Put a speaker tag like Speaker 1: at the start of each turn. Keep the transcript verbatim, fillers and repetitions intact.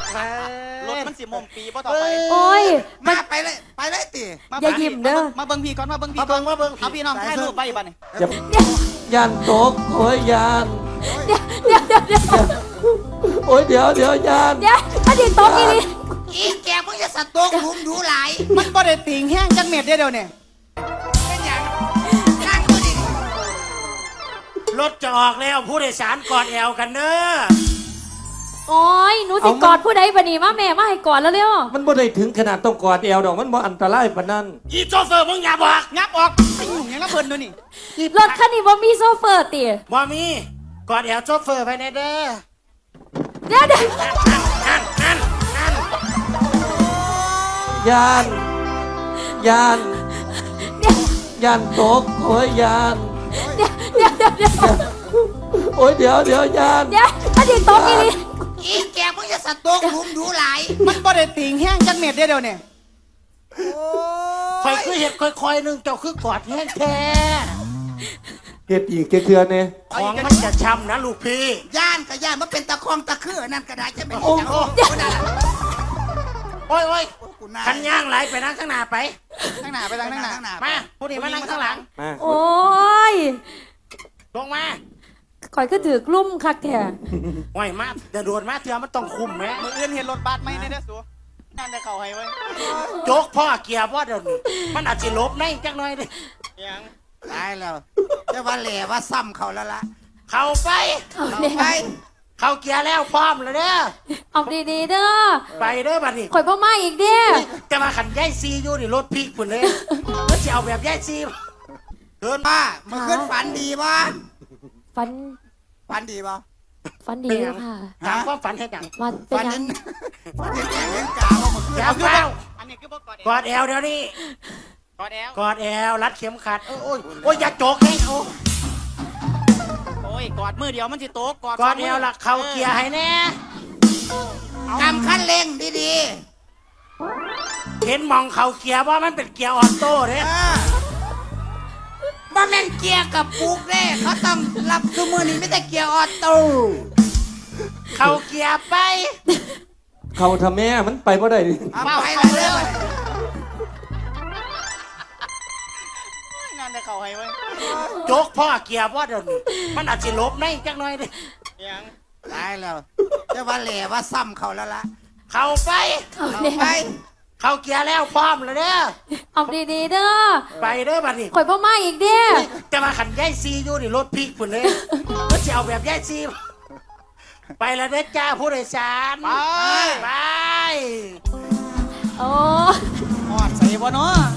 Speaker 1: รถมันสิมมปีบ่ต่อไป
Speaker 2: โอ้ย
Speaker 3: มาไปเลยไปเลยตี
Speaker 2: อย่ายิ้มเด้อ
Speaker 1: มาเบิ่งพี่ก่อนมาเบิ่งพี่
Speaker 3: มาเบิ่งมาเบิ่ง
Speaker 1: เอาพี่น้องถ่ายรูปไปบัดนี้
Speaker 4: ยันตกโอ้ยยาน
Speaker 2: เดี๋ยวเดี๋ยวเดี๋ยวเดี๋ยว
Speaker 4: โอ้ยเดี๋ยวเดี๋ยวยาน
Speaker 2: เดี๋ยวถ้าดิตกอีนี่
Speaker 3: อีแกมึงจะสตกหลุมดูหลาย
Speaker 1: มันบ่ได้ติ่งแห้งจังเม็ดเดียวเนี่ย
Speaker 3: เป็นอย่างนั่งดูดิ
Speaker 5: รถจะออกแล้วผู้โดยสารกอดแอวกันเด้อ
Speaker 2: โอ้ยหนูสิกอดผู้ใดบัดนี้มาแม่มาให้กอดแล้วเร็ว
Speaker 4: มันบ่ได้ถึงขนาดต้องกอดแอวดอกมันบ่อันตรายปานนั้น
Speaker 5: อีโชเฟอร์มึงอย่าบอก
Speaker 1: งับออกไอ้หนุ่มยังละเพิ่นดูนี่
Speaker 2: รถคันนี้บ่มีโซเฟอร์ติ
Speaker 5: บ่มีกอดแอวโชเฟอร์ไปแน่เด้อ
Speaker 2: เดี๋ยวเดี๋ยว
Speaker 5: นั่นนั่นนั่น
Speaker 4: ยานยานยานตกโอ้ยยาน
Speaker 2: เดี๋ยวเดี๋ยวเดี๋ยวเดี๋ยว
Speaker 4: โอ้ยเดี๋ยวเดี๋ยวยาน
Speaker 2: เดี๋ยวถ้าดิตกอีนี่
Speaker 3: อีแกมึงจะสตกหลุมดูหลาย
Speaker 1: มันบ่ได้ติ่งแห้งจังเม็ดเดียวเนี่ย
Speaker 5: คอยคือเห็ดคอยๆหนึงเจ้าคือกอดแห้งแท้
Speaker 4: เฮ็ดอีกเทื่อๆเนี่ย
Speaker 5: ของมันจะช้ำนะลูกพี่
Speaker 3: ย่านกับย่านมันเป็นตะคองตะคือนั่นก็ได้จะเป็น
Speaker 5: โอ้
Speaker 3: อย่าง
Speaker 5: โห
Speaker 3: โอ้นั่นแหละ
Speaker 5: โอ้ยโอ้ย
Speaker 3: กูนาย
Speaker 5: คันย่างไหลไปนั่งข้างหน้าไป
Speaker 1: ข้างหน้าไปทางข้างหน้า
Speaker 5: มาผู้นี้มานั่งข้างหลัง
Speaker 4: มา
Speaker 2: โอ้ย
Speaker 5: ลงมา
Speaker 2: ข่อยก็ถือกลุ่มคักแท้
Speaker 5: โอ้ยมาเดี๋ยวโดดมาเถื่อมันต้องคุมแม่
Speaker 1: มืออื่นเห็นรถบัสไหมในเด้อสูนั่นได้เข้าให้ไว้
Speaker 5: โจกพ่อเกียร์พ่อเดี๋ยวนี้มันอาจจะลบในจังหน่อยดิ
Speaker 1: ยัง
Speaker 3: ตายแล้วจะว่าแหล่ว่าซ้ำเขาแล้วล่ะ
Speaker 5: เข้าไป
Speaker 2: เอา
Speaker 3: เอา
Speaker 2: เดี๋ยว
Speaker 3: ไป
Speaker 5: เข้าเกียร์แล้วพร้อมเลยเด้อ
Speaker 2: เอาดีๆเด้อ
Speaker 5: ไปเด้อบัดนี้
Speaker 2: ข่อยบ่มาอีกเด้อ
Speaker 5: จะมาขันย่ายซีอยู่นี่รถพลิกปุ่นเลยก็จะเอาแบบย่ายซีเดิน
Speaker 3: ป้าเมื่อคืนฝันดีป่ะ
Speaker 2: ฝัน
Speaker 3: ฝันดีป่ะ
Speaker 2: ฝันดีอยู่ค่ะ
Speaker 5: ถามความฝันให้ดัง
Speaker 2: มาเป็น
Speaker 3: ฝัน
Speaker 2: ยั
Speaker 3: เห็
Speaker 2: ง
Speaker 3: นฝันเห็นแกเห็นกาว่าเมื่อคืน
Speaker 5: อย่าเฝ้า
Speaker 1: อันนี้คือบ่กอด
Speaker 5: กอดแอวเดี๋ยวนี้
Speaker 1: กอดแอล
Speaker 5: กอดแอวรัดเข็มขัดโอ้ยโอ้ยโอ้ยอย่าโจกให้โอ้
Speaker 1: โอ้ยกอดมือเดียวมันสิโตกอด
Speaker 5: กอดแอวละเข้าเกียร์ให้แน่
Speaker 3: กำคันเร่งดี
Speaker 5: เห็นมองเข้าเกียร์ว่ามันเป็นเกียร์ออโต้
Speaker 3: ๆ
Speaker 5: เด้
Speaker 3: เออบ่แม่นเกียร์กับปุกเด้เขาต้องรับทุกมือนี้ไม่แต่เกียร์ออโต้
Speaker 5: เข้าเกียร์ไป
Speaker 4: เขาทำแม่มันไปบ่ได้ดิ
Speaker 3: เอาไปเลยเร็ว
Speaker 1: นั่นได้เข้าให้ไว้
Speaker 5: โจกพ่อเกียร์ว่าเดี๋ยวนี้มันอาจจะลบในจังหน่อยดิ
Speaker 1: ยัง
Speaker 3: ตายแล้วจะว่าแหล่ว่าซ้ำเขาแล้วล่ะ
Speaker 5: เข้าไป
Speaker 2: เอา
Speaker 3: เอา
Speaker 2: เดี๋ยว
Speaker 3: ไป
Speaker 5: เข้าเกียร์แล้วพร้อมเลยเด้อ
Speaker 2: เอาดีๆเด้อ
Speaker 5: ไปเด้อบัดนี้
Speaker 2: ข่อยบ่มาอีกเด้อ
Speaker 5: จะมาขันย่ายซีอยู่นี่รถพลิกปุ่นเลยก็จะเอาแบบย่ายซีไปแล้วเด้อจ้าผู้โดยสาร
Speaker 1: ไป
Speaker 5: ไป
Speaker 2: โอ้
Speaker 1: หอดใส่บ่เนาะ